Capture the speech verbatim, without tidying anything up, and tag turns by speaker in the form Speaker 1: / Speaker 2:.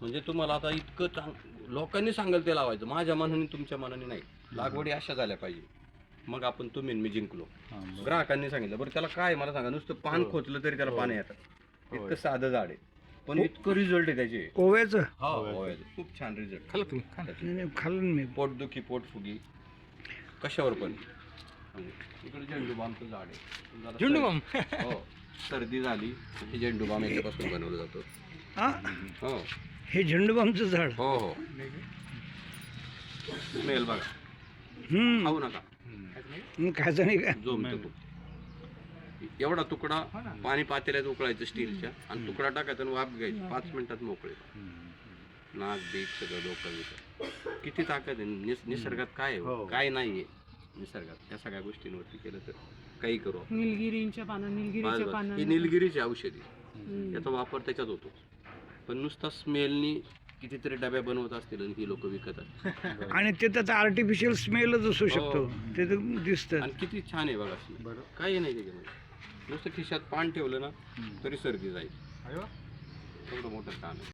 Speaker 1: म्हणजे तुम्हाला आता इतकं चांग लोकांनी सांगाल ते लावायचं, माझ्या मनाने तुमच्या मनाने नाही. लागवडी अशा झाल्या पाहिजे, मग आपण तुम्ही मी जिंकलो. ग्राहकांनी सांगितलं. बरं त्याला काय मला सांगा, नुसतं पान खोचलं तरी त्याला पानं येतात, इतकं साधं झाड आहे, पण इतकं रिझल्ट आहे त्याचे.
Speaker 2: ओव्याचं
Speaker 1: हो, खूप छान रिझल्ट.
Speaker 3: खाल्लं तुम्ही?
Speaker 2: नाही, खाल्लं मी.
Speaker 1: पोटदुखी पोटफुगी कशावर पण. इकडे झेंडूबामचं झाड आहे. जरा
Speaker 3: झेंडूबाम?
Speaker 1: सर्दी- हो, सर्दी झाली की झेंडूबाम याच्यापासून बनवलं जातं.
Speaker 2: हा
Speaker 1: हो
Speaker 2: हे झेंडूबामचं झाड.
Speaker 1: हो हो स्मेल बघा,
Speaker 2: हम्म
Speaker 1: खाऊ नका,
Speaker 2: मग खायचं नाही का?
Speaker 1: जोमतो खूप. एवढा तुकडा पाणी पातेल्यात उकळायचं स्टीलच्या, आणि तुकडा टाकायचा आणि वाफ घ्यायची, पाच मिनिटात मोकळे. नाक बीक सगळं डोकं बिकं. किती ताकद आहे निस- निसर्गात. काय आहे काय नाहीये निसर्गात, त्या सगळ्या गोष्टींवरती केलं तर काही करू आपण.
Speaker 4: निलगिरींच्या पानं निलगिरीच्या
Speaker 1: बस, बस.
Speaker 4: पानं
Speaker 1: ही निलगिरीची औषधी, याचा वापर त्याच्यात होतो. पण नुसता स्मेलनी कितीतरी डब्या बनवत असतील आणि ही लोक विकत असतील.
Speaker 2: आणि ते त्याचा आर्टिफिशियल स्मेलच असू शकतो, ते तर दिसतं.
Speaker 1: आणि किती छान आहे बघा स्मेल, काही नाही त्याच्यामध्ये. नुसतं खिशात पान ठेवलं ना तरी सर्दी जाईल, एवढं मोठं छान आहे.